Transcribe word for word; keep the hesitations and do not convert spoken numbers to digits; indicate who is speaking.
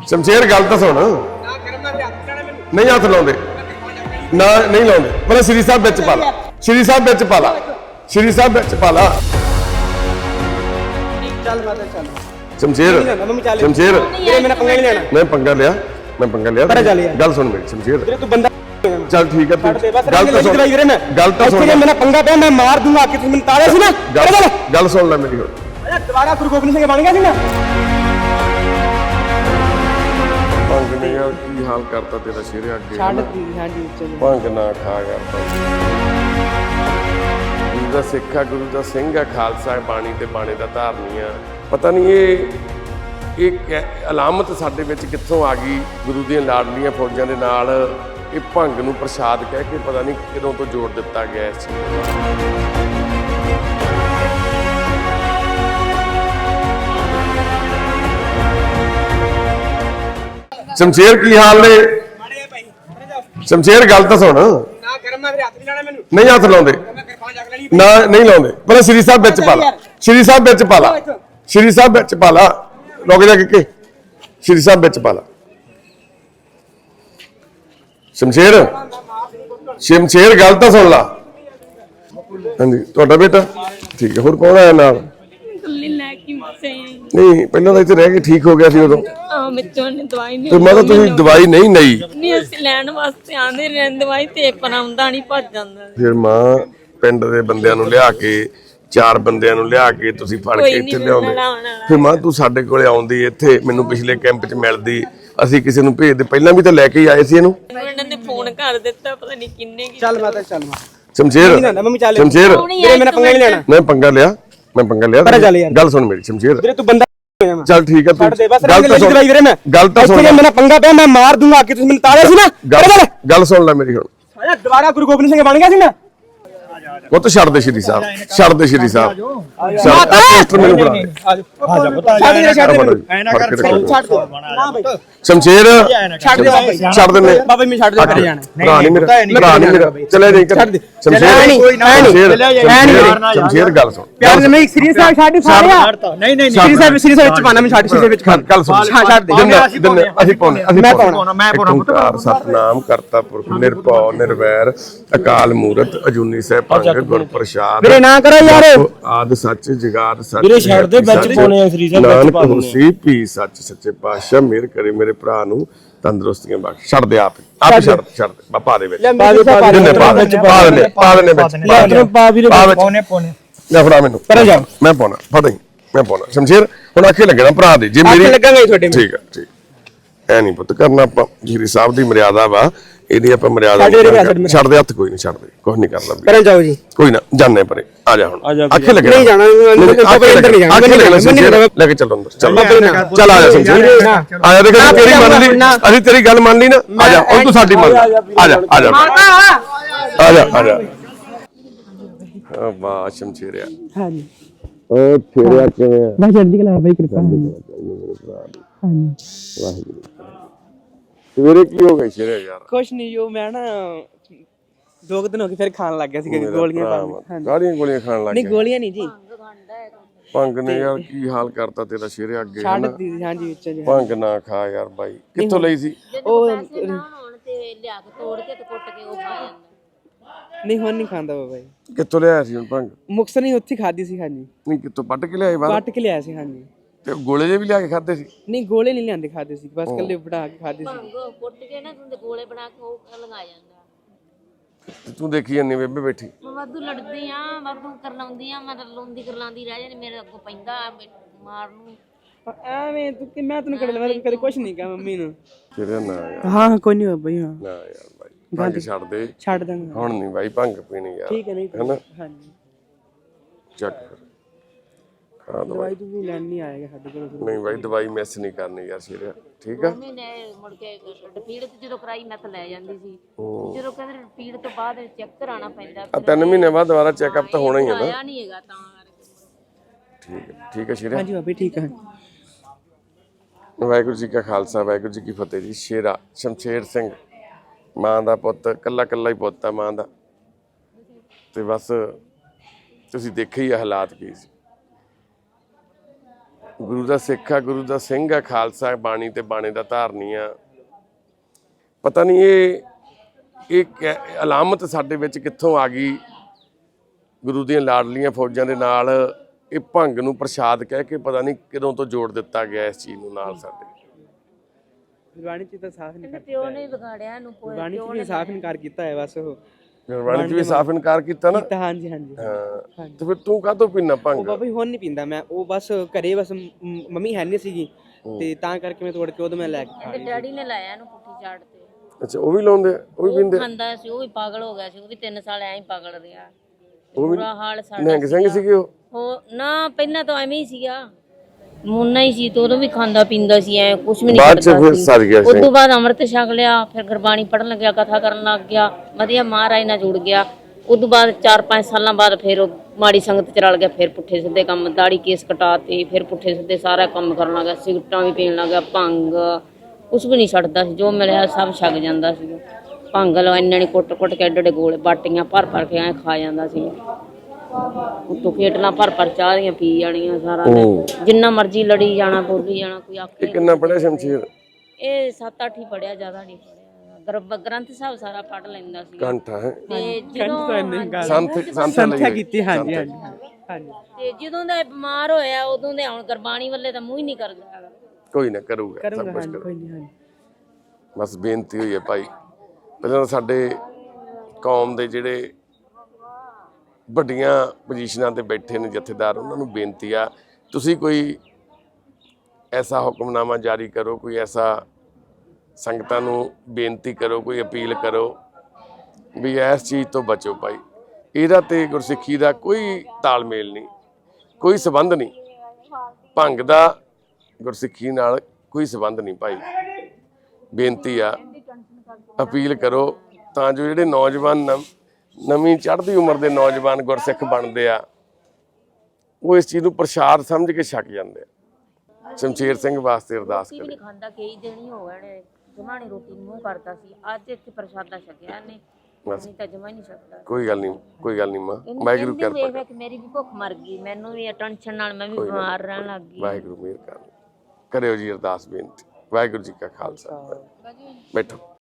Speaker 1: ਸ਼ਮਸ਼ੇਰ ਗੱਲ ਤਾਂ ਸੁਣ। ਨਹੀਂ ਹੱਥ ਲਾਉਂਦੇ ਨਾ, ਨਹੀਂ ਲਾਉਂਦੇ। ਪਹਿਲਾਂ ਸ਼੍ਰੀ ਸਾਹਿਬ ਵਿੱਚ ਪਾ ਲਾ, ਸ਼੍ਰੀ ਸਾਹਿਬ ਵਿੱਚ ਪਾ ਲਾ, ਸ਼੍ਰੀ ਸਾਹਿਬ ਵਿੱਚ ਪਾ ਲਾ।
Speaker 2: ਚੱਲ ਮਾਤਾ ਚੱਲ।
Speaker 1: ਸ਼ਮਸ਼ੇਰ ਸ਼ਮਸ਼ੇਰ
Speaker 2: ਮੇਰਾ ਪੰਗਾ ਨਹੀਂ ਲੈਣਾ।
Speaker 1: ਮੈਂ ਪੰਗਾ ਲਿਆ, ਮੈਂ ਪੰਗਾ ਲਿਆ। ਗੱਲ ਸੁਣ ਮੇਰੀ ਸ਼ਮਸ਼ੇਰ।
Speaker 2: ਤੂੰ ਬੰਦਾ
Speaker 1: ਚੱਲ ਠੀਕ ਹੈ, ਤੂੰ ਗੱਲ ਤਾਂ ਸੁਣ। ਗੱਲ ਤਾਂ ਸੁਣ।
Speaker 2: ਮੇਰਾ ਪੰਗਾ ਪਿਆ, ਮੈਂ ਮਾਰ ਦੂੰਗਾ ਕਿ ਤੂੰ ਮੈਨੂੰ ਤਾੜਿਆ ਸੀ ਨਾ।
Speaker 1: ਗੱਲ ਸੁਣ ਲੈ ਮੇਰੀ ਹੁਣ।
Speaker 2: ਦੁਬਾਰਾ ਗੁਰੂ ਗੋਬਿੰਦ ਸਿੰਘ ਬਣ ਗਿਆ ਸੀ ਨਾ।
Speaker 1: ਭੰਗ ਨੇ ਯਾਰ ਕੀ ਹਾਲ ਕਰਤਾ ਤੇਰਾ ਸ਼ੇਰੇ ਅੱਗੇ।
Speaker 2: ਛੱਡ ਦੀ ਹਾਂਜੀ ਚਲੋ।
Speaker 1: ਭੰਗ ਨਾ ਖਾ ਕਰਤਾ। ਗੁਰੂ ਦਾ ਸਿੱਖ ਆ, ਗੁਰੂ ਦਾ ਸਿੰਘ ਆ, ਖਾਲਸਾ ਬਾਣੀ ਤੇ ਬਾਣੇ ਦਾ ਧਾਰਨੀ ਆ। ਪਤਾ ਨਹੀਂ ਇਹ ਇਹ ਅਲਾਮਤ ਸਾਡੇ ਵਿੱਚ ਕਿੱਥੋਂ ਆ ਗਈ। ਗੁਰੂ ਦੀਆਂ ਲਾਡਲੀਆਂ ਫੌਜਾਂ ਦੇ ਨਾਲ ਇਹ ਭੰਗ ਨੂੰ ਪ੍ਰਸ਼ਾਦ ਕਹਿ ਕੇ ਪਤਾ ਨਹੀਂ ਕਿਦੋਂ ਤੋਂ ਜੋੜ ਦਿੱਤਾ ਗਿਆ ਇਸ ਚੀਜ਼ ਨੂੰ। ਸ਼ਮਸ਼ੇਰ ਕੀ ਹਾਲ ਨੇ? ਸ਼ਮਸ਼ੇਰ ਗੱਲ ਤਾਂ ਸੁਣ। ਨਹੀਂ ਹੱਥ ਲਾਉਂਦੇ ਨਾ, ਨਹੀਂ ਲਾਉਂਦੇ। ਪਹਿਲਾਂ ਸ਼੍ਰੀ ਸਾਹਿਬ ਵਿੱਚ ਪਾ ਲਾ, ਸ਼੍ਰੀ ਸਾਹਿਬ ਵਿੱਚ ਪਾ ਲਾ, ਸ਼੍ਰੀ ਸਾਹਿਬ ਵਿੱਚ ਪਾ ਲਾ। ਰੁਕ ਜਾ ਕੇ ਸ਼੍ਰੀ ਸਾਹਿਬ ਵਿੱਚ ਪਾ ਲਾ। ਸ਼ਮਸ਼ੇਰ ਸ਼ਮਸ਼ੇਰ ਗੱਲ ਤਾਂ ਸੁਣ ਲਾ। ਹਾਂਜੀ ਤੁਹਾਡਾ ਬੇਟਾ ਠੀਕ ਹੈ। ਹੋਰ ਕੌਣ ਆਇਆ ਨਾਲ? ਨਹੀਂ ਪਹਿਲਾਂ ਤਾਂ ਇੱਥੇ ਰਹਿ ਕੇ ਠੀਕ ਹੋ ਗਿਆ ਸੀ ਉਦੋਂ।
Speaker 3: ਆ ਬੱਚੋਂ ਨੇ ਦਵਾਈ ਨਹੀਂ
Speaker 1: ਤੇ ਮਾਤਾ ਤੁਸੀਂ ਦਵਾਈ ਨਹੀਂ ਲਈ?
Speaker 3: ਨਹੀਂ ਅਸੀਂ ਲੈਣ ਵਾਸਤੇ ਆਂਦੇ ਰਹੇ ਦਵਾਈ ਤੇ ਪਰ ਆਉਂਦਾ ਨਹੀਂ, ਭੱਜ ਜਾਂਦਾ।
Speaker 1: ਫਿਰ ਮਾਂ ਪਿੰਡ ਦੇ ਬੰਦਿਆਂ ਨੂੰ ਲਿਆ ਕੇ, ਚਾਰ ਬੰਦਿਆਂ ਨੂੰ ਲਿਆ ਕੇ ਤੁਸੀਂ ਫੜ ਕੇ ਇੱਥੇ ਲਿਆਉਂਦੇ। ਫਿਰ ਮਾਂ ਤੂੰ ਸਾਡੇ ਕੋਲੇ ਆਉਂਦੀ ਇੱਥੇ, ਮੈਨੂੰ ਪਿਛਲੇ ਕੈਂਪ 'ਚ ਮਿਲਦੀ, ਅਸੀਂ ਕਿਸੇ ਨੂੰ ਭੇਜਦੇ। ਪਹਿਲਾਂ ਵੀ ਤਾਂ ਲੈ ਕੇ ਹੀ ਆਏ ਸੀ ਇਹਨੂੰ।
Speaker 3: ਉਹਨਾਂ ਨੇ ਫੋਨ ਕਰ ਦਿੱਤਾ, ਪਤਾ ਨਹੀਂ ਕਿੰਨੇ ਕੀ।
Speaker 2: ਚੱਲ ਮਾਤਾ ਚੱਲ।
Speaker 1: ਸ਼ਮਸ਼ੇਰ ਸ਼ਮਸ਼ੇਰ
Speaker 2: ਮੇਰਾ ਪੰਗਾ ਨਹੀਂ ਲੈਣਾ।
Speaker 1: ਮੈਂ ਪੰਗਾ ਲਿਆ, ਮੈਂ ਪੰਗਾ ਲਿਆ। ਗੱਲ ਸੁਣ ਮੇਰੀ ਸ਼ਮਸ਼ੇਰ।
Speaker 2: ਤੂੰ ਬੰਦਾ
Speaker 1: ਚੱਲ ਠੀਕ ਹੈ, ਤੂੰ
Speaker 2: ਗੱਲ ਤਾਂ ਸੁਣ।
Speaker 1: ਗੱਲ ਤਾਂ ਸੁਣ।
Speaker 2: ਮੇਰਾ ਪੰਗਾ ਪਿਆ, ਮੈਂ ਮਾਰ ਦੂੰਗਾ ਕਿ ਤੂੰ ਮੈਨੂੰ ਤਾੜਿਆ ਸੀ ਨਾ।
Speaker 1: ਗੱਲ ਸੁਣ ਲੈ ਮੇਰੀ ਹੁਣ।
Speaker 2: ਦੁਬਾਰਾ ਗੁਰੂ ਗੋਬਿੰਦ ਸਿੰਘ ਬਣ ਗਿਆ ਸੀ ਨਾ।
Speaker 1: ਉਹ ਤਾਂ ਛੱਡ ਦੇ ਸ਼੍ਰੀ ਸਾਹਿਬ, ਛੱਡ ਦੇ ਸ਼੍ਰੀ ਸਾਹਿਬ। ਪੋਸਟਰ ਮੈਨੂੰ ਫੜਾ ਦੇ। ਸ਼ਮਸ਼ੇਰ ਛੱਡ ਦੇ, ਛੱਡ ਦੇ
Speaker 2: ਬਾਬਾ ਮੈਂ ਛੱਡ ਦੇ ਘਰੇ ਜਾਣਾ।
Speaker 1: ਭਰਾ ਨਹੀਂ ਮੇਰਾ, ਭਰਾ ਨਹੀਂ ਮੇਰਾ। ਚਲੇ ਨਹੀਂ ਕਰ ਸ਼ਮਸ਼ੇਰ, ਸ਼ਮਸ਼ੇਰ ਗੱਲ ਸੁਣ।
Speaker 2: ਪਿਆਰ ਨਹੀਂ ਸ੍ਰੀ ਸਾਹਿਬ ਛੱਡ ਸਾਰਿਆ। ਨਹੀਂ ਨਹੀਂ ਸ੍ਰੀ ਸਾਹਿਬ ਸ੍ਰੀ ਸਾਹਿਬ ਵਿੱਚ ਪਾਣਾ, ਮੈਂ ਛੱਡ ਸ੍ਰੀ ਵਿੱਚ ਖਾਣ।
Speaker 1: ਗੱਲ ਸੁਣ
Speaker 2: ਛੱਡ ਦੇ।
Speaker 1: ਅਸੀਂ ਪਾਉਣੇ, ਅਸੀਂ ਮੈਂ ਪਾਉਣਾ, ਮੈਂ ਪਾਉਣਾ। ਓੰਕਾਰ ਸਤਨਾਮ ਕਰਤਾ ਪੁਰਖ ਨਿਰਭਉ ਨਿਰਵੈਰ ਅਕਾਲ ਮੂਰਤ ਅਜੂਨੀ ਸਹਿ ਗੁਰ ਪ੍ਰਸਾਦ।
Speaker 2: ਵੀਰੇ ਨਾ ਕਰੋ ਯਾਰ।
Speaker 1: ਆਦ ਸੱਚ ਜਗਾਦ ਸੱਚ।
Speaker 2: ਵੀਰੇ ਛੱਡ ਦੇ, ਵਿੱਚ ਪਾਉਣੇ ਆ ਸ੍ਰੀ ਸਾਹਿਬ ਵਿੱਚ ਪਾ ਦਿੰਦੇ।
Speaker 1: ਸੀ ਪੀ ਸੱਚ ਸੱਚੇ ਪਾਤਸ਼ਾਹ ਮਿਹਰ ਕਰੇ ਮੇਰੇ ਭਰਾ ਨੂੰ ਤੰਦਰੁਸਤੀਆਂ ਬਖਸ਼। ਛੱਡ ਦੇ ਆਪ ਆਪ ਛੱਡ ਛੱਡ ਦੇ ਪਾ ਦੇ ਵਿੱਚ ਪਾ ਦੇ ਪਾ ਦੇ ਪਾ ਦੇ ਪਾ ਦੇ ਵਿੱਚ
Speaker 2: ਪਾ ਵੀਰੇ
Speaker 1: ਪਾਉਣੇ ਪਾਉਣੇ। ਲੈ ਫੜਾ ਮੈਨੂੰ, ਮੈਂ ਪਾਉਣਾ, ਫੜਾ ਮੈਂ ਪਾਉਣਾ। ਸ਼ਮਸ਼ੇਰ ਹੁਣ ਅੱਖੇ ਲੱਗਣਾ ਭਰਾ ਦੇ। ਜੇ ਮੇਰੀ
Speaker 2: ਲੱਗਾਂਗਾ ਤੁਹਾਡੇ।
Speaker 1: ਠੀਕ ਹੈ ਠੀਕ ਐ ਨਹੀਂ ਪੁੱਤ ਕਰਨਾ। ਆਪਾਂ ਸ਼੍ਰੀ ਸਾਹਿਬ ਦੀ ਮਰਿਆਦਾ ਵਾ, ਇਹਦੀ ਆਪਾਂ ਮਰਿਆਦਾ ਛੱਡ ਦੇ ਹੱਥ। ਕੋਈ ਨਹੀਂ ਛੱਡ ਦੇ, ਕੁਝ ਨਹੀਂ ਕਰਦਾ।
Speaker 2: ਪਰੇ ਜਾਓ ਜੀ,
Speaker 1: ਕੋਈ ਨਾ ਜਾਣੇ ਪਰੇ। ਆ ਜਾ ਹੁਣ ਅੱਖੇ ਲੱਗਣਾ।
Speaker 2: ਨਹੀਂ ਜਾਣਾ, ਅੰਦਰ ਨਹੀਂ ਜਾਣਾ।
Speaker 1: ਲੈ ਕੇ ਚੱਲ ਅੰਦਰ ਚੱਲ। ਚੱਲ ਆ ਜਾ ਸ਼ਮਸ਼ੇਰ, ਆ ਜਾ। ਦੇਖ ਤੇਰੀ ਮੰਨ ਲਈ, ਅਸੀਂ ਤੇਰੀ ਗੱਲ ਮੰਨ ਲਈ ਨਾ। ਆ ਜਾ ਹੁਣ ਤੂੰ ਸਾਡੀ ਮੰਨ। ਆ ਜਾ ਆ ਜਾ ਆ ਜਾ ਆ ਜਾ। ਆ ਵਾਹ ਸ਼ਮਸ਼ੇਰਿਆ।
Speaker 2: ਹਾਂਜੀ
Speaker 1: ਉਹ ਫੇਰਿਆ ਕਿਵੇਂ ਆ?
Speaker 2: ਮੈਂ ਚੜ੍ਹਦੀ ਕਲਾ ਬਾਈ, ਕਿਰਪਾ ਹਾਂਜੀ।
Speaker 1: ਵਾਹਿਗੁਰੂ। ਸਵੇਰੇ ਕੀ ਹੋ ਗਿਆ ਸ਼ੇਰਿਆ ਯਾਰ?
Speaker 2: ਕੁਛ ਨਹੀਂ ਜੋ ਮੈਂ ਨਾ ਦੋ ਦਿਨ ਹੋ ਗਏ ਫਿਰ ਖਾਣ ਲੱਗ ਗਿਆ ਸੀ ਗੋਲੀਆਂ।
Speaker 1: ਕਾਹਦੀਆਂ ਗੋਲੀਆਂ ਖਾਣ ਲੱਗ ਗਿਆ?
Speaker 2: ਨਹੀਂ ਗੋਲੀਆਂ ਨਹੀਂ ਜੀ,
Speaker 1: ਭੰਗ ਨੇ ਯਾਰ ਕੀ ਹਾਲ ਕਰਤਾ ਤੇਰਾ ਸ਼ੇਰਿਆ ਅੱਗੇ।
Speaker 2: ਛੱਡ ਦਿੱਤੀ ਹਾਂਜੀ ਵਿੱਚ ਜੀ।
Speaker 1: ਭੰਗ ਨਾ ਖਾ ਯਾਰ ਬਾਈ। ਕਿੱਥੋਂ ਲਈ ਸੀ?
Speaker 2: ਉਹ
Speaker 3: ਤੇ ਲਿਆ ਕੇ ਤੋੜ ਕੇ ਤੇ ਕੁੱਟ ਕੇ ਉਹ ਖਾ ਜਾਂਦਾ।
Speaker 2: ਨਹੀਂ ਹੁਣ ਨਹੀਂ ਖਾਂਦਾ ਬਾਬਾ ਜੀ।
Speaker 1: ਕਿੱਥੋਂ ਲਿਆਇਆ ਸੀ ਹੁਣ ਭੰਗ?
Speaker 2: ਮੁਕਤਸਰ ਨਹੀਂ, ਉੱਥੇ ਖਾਦੀ ਸੀ ਹਾਂਜੀ।
Speaker 1: ਨਹੀਂ ਕਿੱਥੋਂ ਪੱਟ ਕੇ ਲਿਆਏ ਬਾਹਰ?
Speaker 2: ਕੱਟ ਕੇ ਲਿਆਇਆ ਸੀ ਹਾਂਜੀ।
Speaker 1: ਤੇ ਗੋਲੇ ਜੇ ਵੀ ਲਿਆ ਕੇ ਖਾਦੇ ਸੀ?
Speaker 2: ਨਹੀਂ ਗੋਲੇ ਨਹੀਂ ਲਿਆਂਦੇ, ਖਾਦੇ ਸੀ ਬਸ ਕੱਲੇ ਬਣਾ ਕੇ ਖਾਦੇ ਸੀ।
Speaker 3: ਕੁੱਟ ਕੇ ਨਾ ਤੁੰਦੇ ਗੋਲੇ ਬਣਾ ਕੇ ਉਹ ਲੰਗਾ ਜਾਂਦਾ।
Speaker 1: ਤੂੰ ਦੇਖੀ ਜਾਂਦੀ ਬੇਬੇ ਬੈਠੀ।
Speaker 3: ਵਾਧੂ ਲੜਦੀ ਆ, ਵਾਧੂ ਕਰਲਾਉਂਦੀ ਆ, ਮੈਂ ਲਾਉਂਦੀ ਕਰਲਾਉਂਦੀ ਰਹਿ ਜਾਂਦੀ। ਮੇਰੇ ਅੱਗੋਂ ਪੈਂਦਾ ਮਾਰ ਨੂੰ।
Speaker 2: ਐਵੇਂ ਤੂੰ ਕਿ ਮੈਂ ਤੈਨੂੰ ਕਦੇ ਮੈਂ ਕਦੇ ਕੁਝ ਨਹੀਂ ਕਿਹਾ ਮੰਮੀ ਨੂੰ।
Speaker 1: ਸ਼ੇਰਿਆ ਨਾ ਯਾਰ।
Speaker 2: ਹਾਂ ਕੋਈ ਨਹੀਂ ਬਾਬਾ ਜੀ। ਹਾਂ
Speaker 1: ਨਾ ਯਾਰ ਬਾਈ ਭੰਗ ਛੱਡ ਦੇ।
Speaker 2: ਛੱਡ ਦਾਂਗਾ
Speaker 1: ਹੁਣ ਨਹੀਂ ਬਾਈ ਭੰਗ ਪੀਣੀ ਯਾਰ।
Speaker 2: ਠੀਕ ਹੈ ਨਹੀਂ
Speaker 1: ਹੈਨਾ?
Speaker 2: ਹਾਂਜੀ
Speaker 1: ਚੱਕ ਹਾਂ
Speaker 2: ਦਵਾਈ ਤੂੰ ਵੀ ਲੈਣ ਨਹੀਂ ਆਏਗਾ ਸਾਡੇ ਕੋਲ।
Speaker 1: ਨਹੀਂ ਬਾਈ ਦਵਾਈ ਮਿਸ ਨਹੀਂ ਕਰਨੀ ਯਾਰ ਸ਼ੇਰਿਆ, ਠੀਕ ਆ?
Speaker 3: ਮਹੀਨੇ ਮੁੜ ਕੇ ਰਿਪੀਟ ਤੇ ਜਦੋਂ ਕਰਾਈ ਮੈਂ ਤਾਂ ਲੈ ਜਾਂਦੀ ਸੀ। ਜਦੋਂ ਕਹਿੰਦੇ ਰਿਪੀਟ ਤੋਂ ਬਾਅਦ ਚੈੱਕ ਕਰਾਉਣਾ ਪੈਂਦਾ।
Speaker 1: ਆ ਤਿੰਨ ਮਹੀਨੇ ਬਾਅਦ ਦੁਬਾਰਾ ਚੈੱਕਅਪ ਤਾਂ ਹੋਣਾ ਹੀ ਹੈ ਨਾ?
Speaker 3: ਆਇਆ ਨਹੀਂ ਹੈਗਾ ਤਾਂ
Speaker 1: ਠੀਕ ਹੈ ਠੀਕ ਹੈ ਸ਼ੇਰਿਆ।
Speaker 2: ਹਾਂਜੀ ਬਾਬਾ ਠੀਕ ਹੈ।
Speaker 1: ਵਾਹਿਗੁਰੂ ਜੀ ਕਾ ਖਾਲਸਾ ਵਾਹਿਗੁਰੂ ਜੀ ਕੀ ਫਤਿਹ ਜੀ। ਸ਼ੇਰਾ ਸ਼ਮਸ਼ੇਰ ਸਿੰਘ ਮਾਂ ਦਾ ਪੁੱਤ, ਕੱਲਾ ਕੱਲਾ ਹੀ ਪੁੱਤ ਆ ਮਾਂ ਦਾ। ਤੇ ਬਸ ਤੁਸੀਂ ਦੇਖਿਆ ਹੀ ਆ ਹਾਲਾਤ ਕੀ ਸੀ। ਗੁਰੂ ਦਾ ਸਿੱਖ ਆ, ਗੁਰੂ ਦਾ ਸਿੰਘ ਆ, ਖਾਲਸਾ ਬਾਣੀ ਤੇ ਬਾਣੇ ਦਾ ਧਾਰਨੀ ਆ। ਪਤਾ ਨਹੀਂ ਇਹ ਇਹ ਕੈ- ਅਲਾਮਤ ਸਾਡੇ ਵਿੱਚ ਕਿੱਥੋਂ ਆ ਗਈ। ਗੁਰੂ ਦੀਆਂ ਲਾਡਲੀਆਂ ਫੌਜਾਂ ਦੇ ਨਾਲ ਇਹ ਭੰਗ ਨੂੰ ਪ੍ਰਸ਼ਾਦ ਕਹਿ ਕੇ ਪਤਾ ਨਹੀਂ ਕਦੋਂ ਤੋਂ ਜੋੜ ਦਿੱਤਾ ਗਿਆ ਇਸ ਚੀਜ਼ ਨੂੰ ਨਾਲ ਸਾਡੇ।
Speaker 2: ਗੁਰਬਾਣੀ ਚ ਤਾਂ ਸਾਫ਼ ਨਹੀਂ
Speaker 3: ਪਿਓ ਨੇ ਵਿਗਾੜਿਆ ਇਹਨੂੰ ਕੋਈ
Speaker 2: ਗੁਰਬਾਣੀ ਚ ਵੀ ਸਾਫ਼ ਇਨਕਾਰ ਕੀਤਾ ਹੈ ਬਸ ਉਹ
Speaker 1: ਗੁਰਬਾਣੀ 'ਚ ਵੀ ਸਾਫ਼ ਇਨਕਾਰ ਕੀਤਾ ਨਾ।
Speaker 2: ਤਾਂ ਹਾਂਜੀ ਹਾਂਜੀ
Speaker 1: ਹਾਂ ਤੇ ਫਿਰ ਤੂੰ ਕਾਹਤੋਂ ਪੀਣਾ
Speaker 2: ਉਹ
Speaker 1: ਭੰਗ?
Speaker 2: ਬਾਬਾ ਜੀ ਹੁਣ ਨਹੀਂ ਪੀਂਦਾ ਮੈਂ, ਉਹ ਬਸ ਘਰੇ ਬਸ ਮ- ਮੰਮੀ ਹੈ ਨਹੀਂ ਸੀਗੀ ਤੇ ਤਾਂ ਕਰਕੇ ਮੈਂ ਤੋੜ ਕੇ ਉਦੋਂ ਮੈਂ ਲੈ ਕੇ ਖਾ
Speaker 3: ਤੇ ਡੈਡੀ ਨੇ ਲਾਇਆ ਇਹਨੂੰ ਪੁੱਠੀ ਚਾੜ ਤੇ।
Speaker 1: ਅੱਛਾ ਉਹ ਵੀ ਲਾਉਂਦੇ ਆ, ਉਹ ਵੀ
Speaker 3: ਉਹ
Speaker 1: ਪੀਂਦੇ?
Speaker 3: ਖਾਂਦਾ ਸੀ, ਉਹ ਵੀ ਪਾਗਲ ਹੋ ਗਿਆ ਸੀ, ਉਹ ਵੀ ਤਿੰਨ ਸਾਲ ਐਂ ਹੀ ਪਾਗਲ ਰਿਹਾ।
Speaker 1: ਉਹ ਵੀ
Speaker 3: ਬੁਰਾ ਹਾਲ ਸਾਡਾ
Speaker 1: ਨਿਹੰਗ ਸਿੰਘ ਸੀਗੇ ਉਹ?
Speaker 3: ਉਹ ਨਾ ਪਹਿਲਾਂ ਤਾਂ ਐਵੇਂ ਹੀ ਸੀਗਾ, ਮੁੰਨਾ ਹੀ ਸੀ ਤੇ ਉਦੋਂ ਵੀ ਖਾਂਦਾ ਪੀਂਦਾ ਸੀ, ਐ ਕੁਝ ਵੀ ਨਹੀਂ
Speaker 1: ਬਾਅਦ ਚ
Speaker 3: ਕਰਦਾ
Speaker 1: ਫਿਰ
Speaker 3: ਸੀ।
Speaker 1: ਸਰ ਗਿਆ
Speaker 3: ਉਸ
Speaker 1: ਸੀ।
Speaker 3: ਤੋਂ ਬਾਅਦ ਅੰਮ੍ਰਿਤ ਛਕ ਲਿਆ, ਫਿਰ ਗੁਰਬਾਣੀ ਪੜਨ ਲੱਗਿਆ, ਕਥਾ ਕਰਨ ਲੱਗ ਗਿਆ, ਵਧੀਆ ਮਹਾਰਾਜ ਨਾਲ ਜੁੜ ਗਿਆ। ਉਸ ਤੋਂ ਬਾਅਦ ਚਾਰ ਪੰਜ ਸਾਲਾਂ ਬਾਅਦ ਫਿਰ ਉਹ ਮਾੜੀ ਸੰਗਤ ਚ ਰਲ ਗਿਆ, ਫਿਰ ਪੁੱਠੇ ਸਿੱਧੇ ਕੰਮ, ਦਾੜੀ ਕੇਸ ਕਟਾਤੇ, ਫਿਰ ਪੁੱਠੇ ਸਿੱਧੇ ਸਾਰਾ ਕੰਮ ਕਰਨ ਲੱਗਾ, ਸਿਗਰਟਾਂ ਵੀ ਪੀਣ ਲੱਗਾ, ਭੰਗ ਕੁਛ ਵੀ ਨਹੀਂ ਛੱਡਦਾ ਸੀ, ਜੋ ਮਿਲਿਆ ਸਭ ਛਕ ਜਾਂਦਾ ਸੀ। ਭੰਗ ਲੋ ਇੰਨਾਂ ਨੇ ਕੁੱਟ ਕੁੱਟ ਕੇ ਐਡੇ ਐਡੇ ਗੋਲੇ ਬਾਟੀਆਂ ਭਰ ਭਰ ਕੇ ਐ ਖਾ ਜਾਂਦਾ ਸੀ। ਉੱਤੋਂ ਖੇਟਲਾਂ ਭਰ ਭਰ ਚਾਹ ਦੀਆਂ ਪੀ ਜਾਣੀਆਂ ਸਾਰਾ ਦਿਨ, ਜਿੰਨਾ ਮਰਜ਼ੀ ਲੜੀ ਜਾਣਾ, ਬੋਲੀ ਜਾਣਾ, ਕੋਈ ਆਖੇ।
Speaker 1: ਇਹ ਕਿੰਨਾ ਪੜਿਆ ਸ਼ਮਸ਼ੀਰ?
Speaker 3: ਇਹ ਸੱਤ ਅੱਠ ਹੀ ਪੜਿਆ, ਜ਼ਿਆਦਾ ਨਹੀਂ ਪੜਿਆ। ਗ੍ਰੰਥ ਗ੍ਰੰਥ ਸਾਹਿਬ ਸਾਰਾ ਪੜ ਲੈਂਦਾ ਸੀ
Speaker 1: ਕੰਠਾ ਹੈ
Speaker 3: ਤੇ ਜਦੋਂ
Speaker 1: ਸੰਥ ਸੰਥ
Speaker 2: ਸੰਥਿਆ ਕੀਤੀ। ਹਾਂਜੀ ਹਾਂਜੀ ਹਾਂਜੀ
Speaker 3: ਤੇ ਜਦੋਂ ਦਾ ਇਹ ਬਿਮਾਰ ਹੋਇਆ ਉਦੋਂ ਦੇ ਹੁਣ ਗੁਰਬਾਣੀ ਵੱਲੇ ਤਾਂ ਮੂੰਹ ਹੀ ਨਹੀਂ ਕਰਦਾ ਹੈਗਾ।
Speaker 1: ਕੋਈ ਨਾ ਕਰੂਗਾ ਸਭ
Speaker 2: ਕਰੂੰਗਾ
Speaker 1: ਕੁਝ
Speaker 2: ਹਾਂਜੀ
Speaker 1: ਕਰੂਗਾ।
Speaker 2: ਕੋਈ ਨਹੀਂ ਹਾਂਜੀ
Speaker 1: ਬਸ ਬੇਨਤੀ ਹੋਈ ਹੈ ਭਾਈ, ਪਹਿਲਾਂ ਤਾਂ ਸਾਡੇ ਕੌਮ ਦੇ ਜਿਹੜੇ ਵੱਡੀਆਂ ਪੋਜੀਸ਼ਨਾਂ ਤੇ ਬੈਠੇ ਨੇ ਜਥੇਦਾਰ, ਉਹਨਾਂ ਨੂੰ ਬੇਨਤੀ ਆ ਤੁਸੀਂ ਕੋਈ ਐਸਾ ਹੁਕਮਨਾਮਾ ਜਾਰੀ ਕਰੋ, ਕੋਈ ਐਸਾ ਸੰਗਤਾਂ ਨੂੰ ਬੇਨਤੀ ਕਰੋ, ਕੋਈ ਅਪੀਲ ਕਰੋ ਵੀ ਇਸ ਚੀਜ਼ ਤੋਂ ਬਚੋ ਭਾਈ। ਇਹਦਾ ਤੇ ਗੁਰਸਿੱਖੀ ਦਾ ਕੋਈ ਤਾਲਮੇਲ ਨਹੀਂ, ਕੋਈ ਸੰਬੰਧ ਨਹੀਂ। ਭੰਗ ਦਾ ਗੁਰਸਿੱਖੀ ਨਾਲ ਕੋਈ ਸੰਬੰਧ ਨਹੀਂ ਭਾਈ। ਬੇਨਤੀ ਆ, ਅਪੀਲ ਕਰੋ ਤਾਂ ਜੋ ਜਿਹੜੇ ਨੌਜਵਾਨ ਨਵ ਨਵੀਂ ਚੜ੍ਹਦੀ ਉਮਰ ਦੇ ਨੌਜਵਾਨ ਗੁਰਸਿੱਖ ਬਣਦੇ ਆ, ਉਹ ਇਸ ਚੀਜ਼ ਨੂੰ ਪ੍ਰਸ਼ਾਦ ਸਮਝ ਕੇ ਛਕ ਜਾਂਦੇ ਆ। ਸ਼ਮਸ਼ੇਰ ਸਿੰਘ ਵਾਸਤੇ ਅਰਦਾਸ
Speaker 3: ਰੋਟੀ ਵੀ
Speaker 1: ਕਰੇ।
Speaker 3: ਨਹੀਂ ਖਾਂਦਾ, ਕਈ ਦਿਨ ਹੀ ਹੋ ਗਏ ਨੇ ਜਮਾ ਨੀ ਰੋਟੀ ਨੂੰ ਮੂੰਹ ਕਰਦਾ ਸੀ। ਅੱਜ ਇੱਥੇ ਪ੍ਰਸ਼ਾਦਾ ਛਕਿਆ ਨੇ,
Speaker 1: ਬਸ
Speaker 3: ਨਹੀਂ ਤਾਂ ਜਮਾ ਹੀ ਨਹੀਂ ਛਕਦਾ।
Speaker 1: ਕੋਈ ਗੱਲ ਨਹੀਂ, ਕੋਈ ਗੱਲ ਨਹੀਂ ਮਾਂ,
Speaker 3: ਇਹਨੂੰ
Speaker 1: ਵਾਹਿਗੁਰੂ
Speaker 3: ਕਹਿੰਦੇ ਵੇਖ
Speaker 1: ਕਿਰਪਾ
Speaker 3: ਵੇਖ ਮੇਰੀ ਵੀ ਭੁੱਖ ਮਰ ਗਈ, ਮੈਨੂੰ ਵੀ ਟੈਨਸ਼ਨ ਨਾਲ ਮੈਂ ਵੀ ਬਿਮਾਰ ਰਹਿਣ ਲੱਗ ਗਈ।
Speaker 1: ਵਾਹਿਗੁਰੂ ਮਿਹਰ ਕਰ। ਕਰਿਓ ਜੀ ਅਰਦਾਸ ਬੇਨਤੀ। ਵਾਹਿਗੁਰੂ ਜੀ ਕਾ ਖਾਲਸਾ। ਬੈਠੋ।